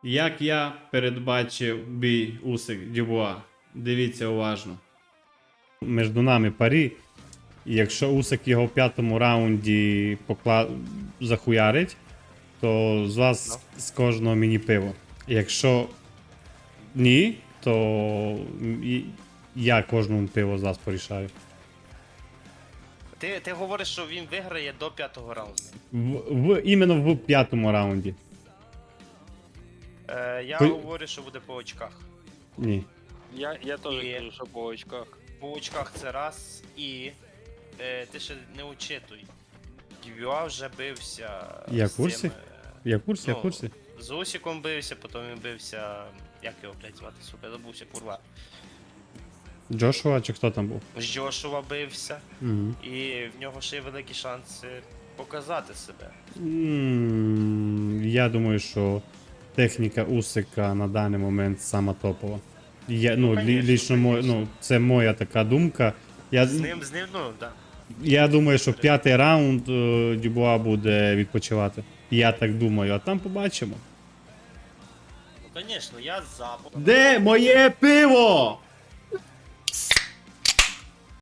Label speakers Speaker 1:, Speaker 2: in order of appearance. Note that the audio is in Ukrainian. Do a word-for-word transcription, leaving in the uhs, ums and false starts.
Speaker 1: Як я передбачив бій Усик Дюбуа? Дивіться уважно. Між нами парі. І якщо Усик його в п'ятому раунді покла... захуярить, то з вас
Speaker 2: Ну.
Speaker 1: з кожного міні-пиво. Якщо ні, то і- я кожному пиво з вас порішаю.
Speaker 2: Ти, ти говориш, що він виграє до п'ятого раунду.
Speaker 1: В, в, іменно в п'ятому раунді.
Speaker 2: Е, я
Speaker 1: Ви-
Speaker 2: говорю, що буде по очках.
Speaker 1: Ні.
Speaker 3: Я, я теж
Speaker 2: І-
Speaker 3: кажу, що по очках.
Speaker 2: По очках це раз, і е, ти ще не учитуй. Дюбюа вже бився.
Speaker 1: Я в
Speaker 2: з
Speaker 1: курсі.
Speaker 2: цим, е,
Speaker 1: Я в курсі, я в
Speaker 2: Ну,
Speaker 1: курсі.
Speaker 2: З Усіком бився, потім він бився. Як його, блядь, звати, сука, забувся, курва.
Speaker 1: Джошуа чи хто там був?
Speaker 2: З Джошуа бився,
Speaker 1: Угу.
Speaker 2: і в нього ще є великі шанси показати себе.
Speaker 1: М, Я думаю, що техніка Усика на даний момент сама топова. Я, ну,
Speaker 2: Ну,
Speaker 1: лі-
Speaker 2: конечно,
Speaker 1: лічно мо-
Speaker 2: конечно.
Speaker 1: ну, це моя така думка. Я,
Speaker 2: З ним, з ним, ну, да.
Speaker 1: я думаю, що п'ятий раунд е, Дюбуа буде відпочивати. Я так думаю, а там побачимо.
Speaker 2: Ну, звісно, я за.
Speaker 1: Де моє пиво?